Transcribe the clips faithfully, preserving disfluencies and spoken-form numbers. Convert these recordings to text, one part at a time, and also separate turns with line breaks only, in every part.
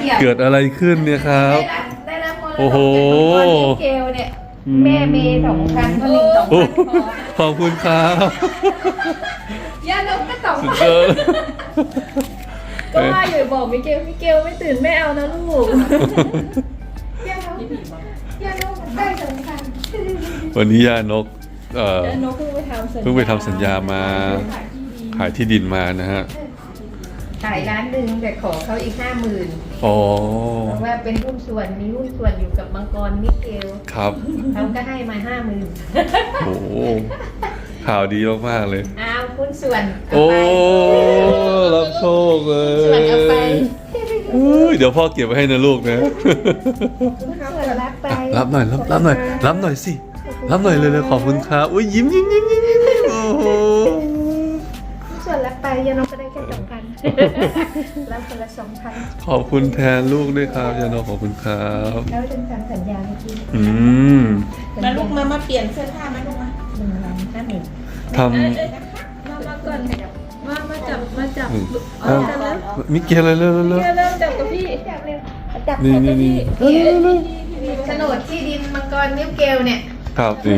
เกิดอะไรขึ้นเนี่ยครับ
ได้รับมรดก
โอ้โห
จากมังกรมิเกลเนี่ยแม่เมย์สองพันพ่อหนึ่งสอง
โอ้
พัน
ขอบคุณครับ
ย่านกก็สอง
สุด
พั
ย
น
อด
ก็ว่าอยู่บอกมิเกลมิเกลไม่ตื่นไม่เอานะลูกย่านกย่านกได้สองพัน
วันนี้ย่านกเอ่อ
ย่านกเพิ่งไปทำสัญญา
เพิ่งไปทำสัญญามาขายที่ดินมานะฮะ
ขายร้านหนึ่งแต่ขอเขาอีกห้าหมื่น
อ๋อ
เพราะว่าเป็นหุ้นส่วนมีหุ้นส่วนอยู่กับมังกรมิเกล
ครับ
เขาก็ให้มาห้าหมื่น
โอ้ข่าวดีมากๆเลย
เอาหุ้นส่วนเอา
โอ้
ไป
รับโชคเล
ส่วนเอาไป
ยอุ้ยเดี๋ยวพ่อเก็บไว้ให้นะลูกนะ
ส่วนรับไป
รับหน่อยรับรับหน่อยรับหน่อยสิรับหน่อยเลยเลยขอบคุณครับอุ้ยยิ้มยิ้มยิ้มยิ้มยิ้มยิ้มโอ้โห
ส่วนรับไปยานกก็ได้แค่สองพันรับคนละสองพัน
ขอบคุณแทนลูกด้วยครับยานกขอบคุณครับ
แล้วเป็นทำสัญญาเมื่อกี้
อืม
มาลูกมามาเปลี่ยนเสื้อผ้ามาลูกมา
หนึ่งล้านห้าหมื่น
ท
มามาก่อนมามาจับมาจับ
ำอืม
เอา
เอ้า
จับแล้ว
มิเกลเลยเร็วเร็วเร็ว
เริ่มจับกับพี่จับเร็วจับ
นี่นี่นี่เร็วเร็วเร็ว
โฉนดที่ดินมังกรมิเกลเนี่ย
ครับนี่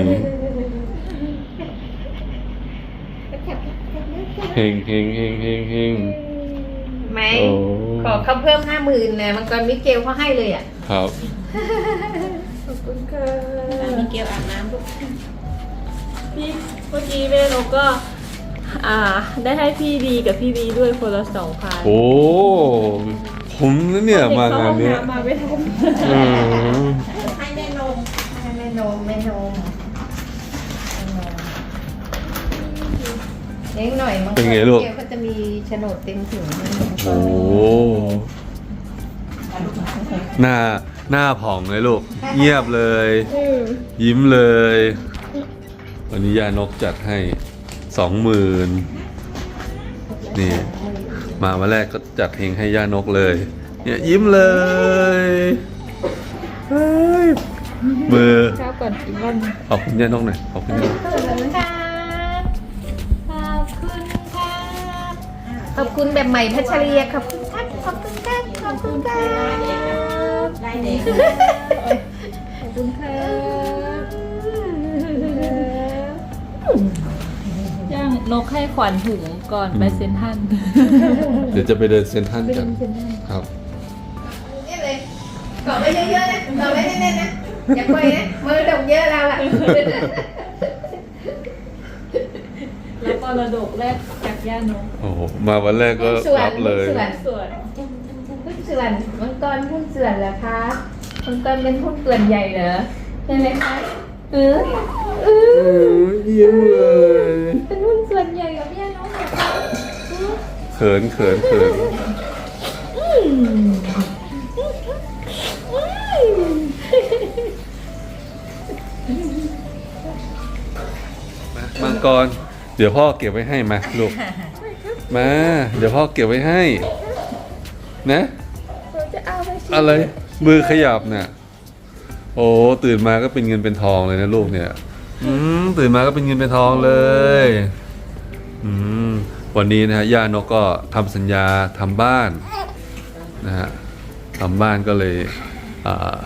เฮงเฮงเฮงเฮงเฮง
ไหม
โอ้
ขอเขาเพิ่มห้าหมื่นนะมังกรมิเกลเขาให้เลยอ่ะ
ครับ
ขอบคุณค่ะ
มีเกลอาบน้ำลูก
พี่เมื่อกี้แม่นกก็ อ่า ได้ให้พี่ดีกับพี่บีด้วยคนละสองพัน
โอ้ผมนะเนี่ยมางานเนี้ย
มาไม่ทัน
อืม
ให้แม่นม
ให้แม่นมแม่นมเลี้ยงหน่อยมังกร
เป็นไงลูก
มิเกลก็จะมีโฉนดเต็มถึง
โอ้หน้าหน้าผ่องเลยลูก เงียบเลย ยิ้มเลย วันนี้ยานกจัดให้สองหมื่นนี่ มาวันแรกก็จัดเพลงให้ย่านกเลย เนี่ยยิ้มเลยเฮ้ยมือ
ข้าวก่อนอีกวัน
ขอบคุณย่านกหน่อยขอบคุณย่านก
ขอบคุณค่ะขอบคุณค่ะขอบคุณแบบใหม่พัชรีขอบคุณครับขอบคุณครับขอบคุณครับ
ได้เด็ก
ขอบคุณค่ะย่างนกให้ขวัญถุงก่อนไปเซ็นทรัล
เดี๋ยวจะไปเดินเซ็นทรัลกัน ครับ
นี่เลยเกาะไว้เยอะๆนะเกาะไว้แน่นๆนะอย่าปล่อยนะมือดกเยอะเราอะ
แล้วก็ระดกแรกจากย่านก
โอ้โห มาวันแรกก็รับเลย
หุ้นส่วน
ส่วน
หุ้นส่วนมังกรหุ้นส่วนเหรอคะมังกรเป็นหุ้นส่วนใหญ่เหรอใช่ไหมคะเออเออ
ยิ้มเลย
เป็นหุ้นส่วนใหญ่กับย่าน้องเหรอคะ
เขินเขินเขินมังกร เดี๋ยวพ่อเก็บไว้ให้มาลูก มา เดี๋ยวพ่อเก็บไว้ให้ นะ
เราจะเอาไปสิ
อะไร มือขยับน่ะ โอ้ตื่นมาก็เป็นเงินเป็นทองเลยนะลูกเนี่ย อืมตื่นมาก็เป็นเงินเป็นทองเลย อืมวันนี้นะฮะย่านกก็ทำสัญญาทำบ้านนะฮะทำบ้านก็เลยอ่า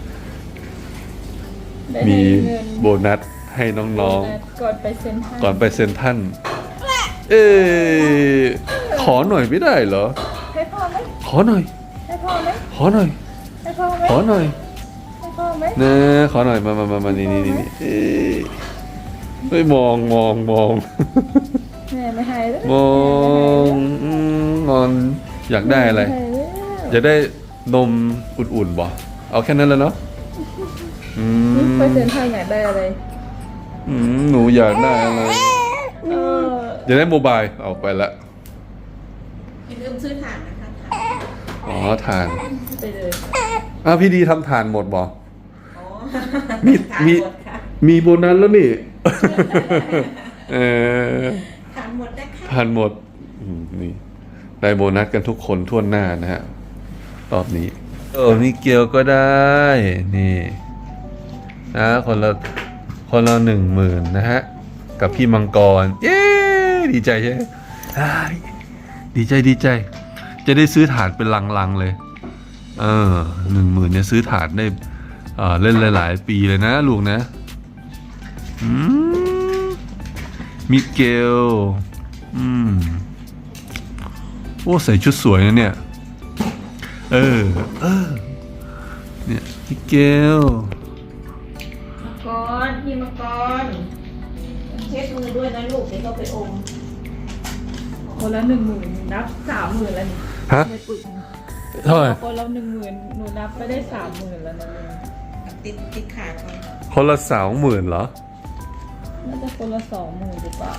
ได้
มี
ให้เงิน
โบนัสให้น้อง
ก่อนไปเซ็นทรัล
ๆ ก่อนไปเซ็นทรันเอ๊ะขอหน่อยไม่ได้เหรอ
ให้พ่อไหม
ขอหน่อย
ให้พ่อไหม
ขอหน่อย
ให้พ่อไหม
ขอหน่อย
ให้พ่อไหม
นะขอหน่อยมามามามานี่นี่นี่นี่เอ๊ะเฮ้ยมองมองมอง
แม่ไม่ให้แล้ว
มองอืมงอนอยากได้อะไร
ม่ให้แล้ว
อยากได้นมอุ่นๆบ่เอาแค่นั้นแล้วเนาะอืม
ไปเซ็นทรัลอยากได้อะไร
อืมหนูอยากได้อะไร
เออ
อยากได้โมบายเอาไปละ
อย่าลืมซื้อถ่านนะคะ
อ๋อทาน
ไปเลย
อ้าวพี่ดีทำทานหมดบ่
อ๋อ
มี
ถ่าน
มี
หมดค่ะ
มีโบนัสแล้วนี่ เออ
ถ่านหมดนะคะ
ทานหมดอืมนี่ได้โบนัสกันทุกคนทั่วหน้านะฮะรอบนี้เออมีเกียวก็ได้ นี่นะคนละคนละหนึ่งหมื่นนะฮะ กับพี่มังกร เย้ดีใจใช่ไหมอ้ายดีใจดีใจ จะได้ซื้อฐานเป็นลังๆเลยเออหนึ่งหมื่นเนี่ยซื้อถาดได้เออเล่นหลายๆปีเลยนะลูกนะอืมมิเกลอืมโอ้ใส่ชุดสวยนะเนี่ยเออเออเนี่ยมิเกล
มังกรพี่มังกรเช็ดมือด้วยนะลูกเดี๋ยวก็ไปอม
คนละหนึ่งหมื่นนับสามหมื่นแล้วนี่
ฮะ
ไม่ปึก
เท่าไหร่
คนละหนึ่งหมื่นหนูนับไปได้สามหมื่นแล้วนะ
ติดติดขาก่อน
คนละสองหมื่นเหรอ
น่าจะคนละสองหมื่นหรือเปล่า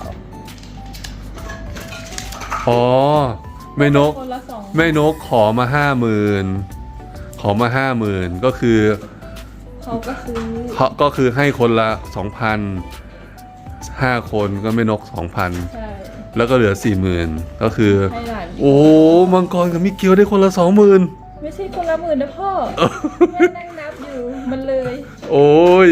อ๋อแม่นก
คนละสอง
แม่นกขอมาห้าหมื่นขอมาห้าหมื่นก็คือ
เขาก็ซื้อ
เขาก็คือให้คนละสองพันห้าคนก็แม่นกสองพัน
ใช่
แล้วก็เหลือสี่หมื่นก็คือ
ให้หลาน
โอ้มังกรกับมิเกลได้คนละสองหมื่น
ไม่ใช่คนละหมื่นนะพ่อแม่นั่งนับอยู่มันเลย
โอ้ย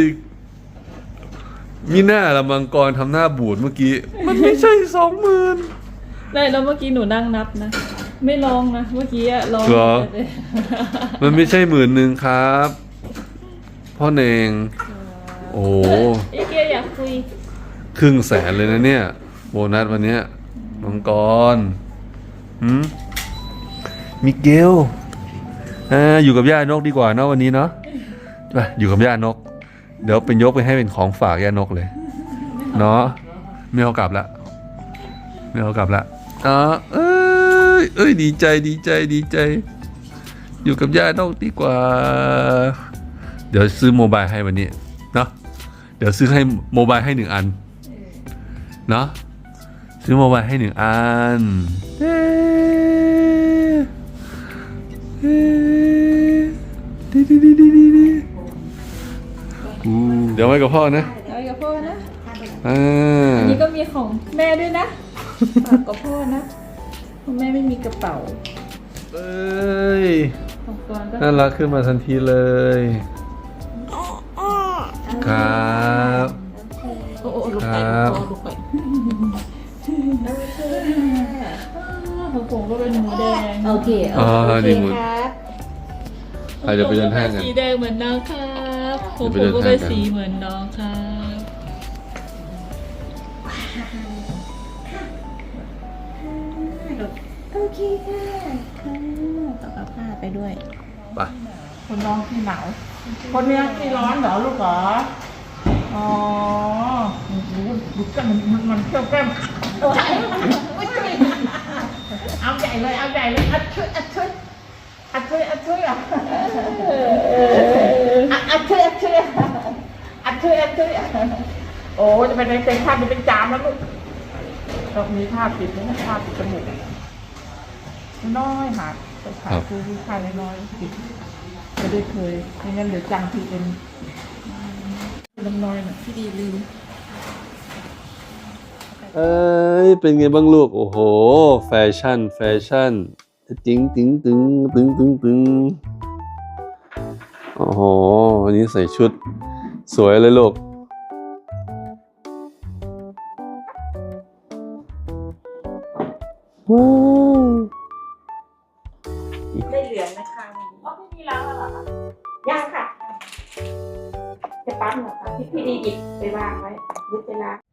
มีหน้าละมังกรทำหน้าบูดเมื่อกี้ มันไม่ใช่สองหมื่น
ได้แล้วเมื่อกี้หนูนั่งนับนะ ไม่ลองนะเมื่อกี้อะลอง
เหรอ
เลย
มันไม่ใช่หมื่นหนึ่งครับ พ่อเนง โอ้
ไอ้เกียอยากคุย
ครึ่งแสนเลยนะเนี่ย โบนัสวันเนี้ยมังกรหืมมิเกลอ่าอยู่กับย่านกดีกว่าเนาะวันนี้เนาะไปอยู่กับย่านก เดี๋ยวเป็นยกไปให้เป็นของฝากย่านกเลย เนาะไม่เอากลับละไม่เอากลับละอ๋อเอ้ยเอ้ยดีใจดีใจดีใจ อยู่กับย่านกดีกว่า เดี๋ยวซื้อโมบายให้วันนี้เนาะเดี๋ยวซื้อให้โมบายให้หนึ่งอันเนาะซื้อโมบายให้หนึ่งอันเอ๊ะเอ๊ะดีดีดีดีดีดีอู้เดี๋ยวไว้กับพ่อนะ
เอากับพ่อนะ
อ่า
อันนี้ก็มีของแม่ด้วยนะฝากกับพ่อนะเพราะแม่ไม่มีกระเป๋า
เอ้ย
ของกรก็
น่ารักขึ้นมาทันทีเลยครับ
โอ้โหลูก
ค
ไป
รับ
ลูกไป
ของผมก็เป็นหมูแดง
โอเค
อ๋อดีหมด
ครับ
อาจจะไปเดินห้างกัน
สีแดงเหมือนน้องครับผม
เดี๋ยวไป
ผม
เดิน
ก็
ห้างกัน
เป็นสีเหมือนน้องครับ
โอเคค่ะค่ะต่อกับผ้าไปด้วย
ไป
คนน้องที่หนาวคนเนี้ยที่ร้อนเหรอลูกเหรอ อ๋อดูดูกันมันมันมันเที่ยวแก้มเอาใหญ่เลย เอาใหญ่เลยอัดช่วยอัดช่วยอัดช่วยอัดช่วยอ่ะอัดช่วยอัดช่วยอัดช่วยอัดช่วยโอ้จะเป็นเป็นภาพจะเป็นจามแล้วลูกต้องมีภาพปิดนะภาพปิดจมูกน้อยหาหาคือผู้ชายน้อยปิด ไม่ได้เคยไม่งั้นเดี๋ยวจังทีเอ็นน้ำน้อยน่ะ
พี่ดีลืม
เอ้ยเป็นไงบ้างลูก โอ้โห แฟชั่น แฟชั่นติ้งติ้งตึงตึงตึงตึงโอ้โหวันนี้ใส่ชุดสวยเลยลูก ว้าว
ได้เหลืองนะคะวันนี้
อ๋อไม่มีแล้วเหรอคะ
ย่างค่ะ จะปั๊มเหรอคะพี่พี่ดีหยิบไปวางไว้หรือไปล้าง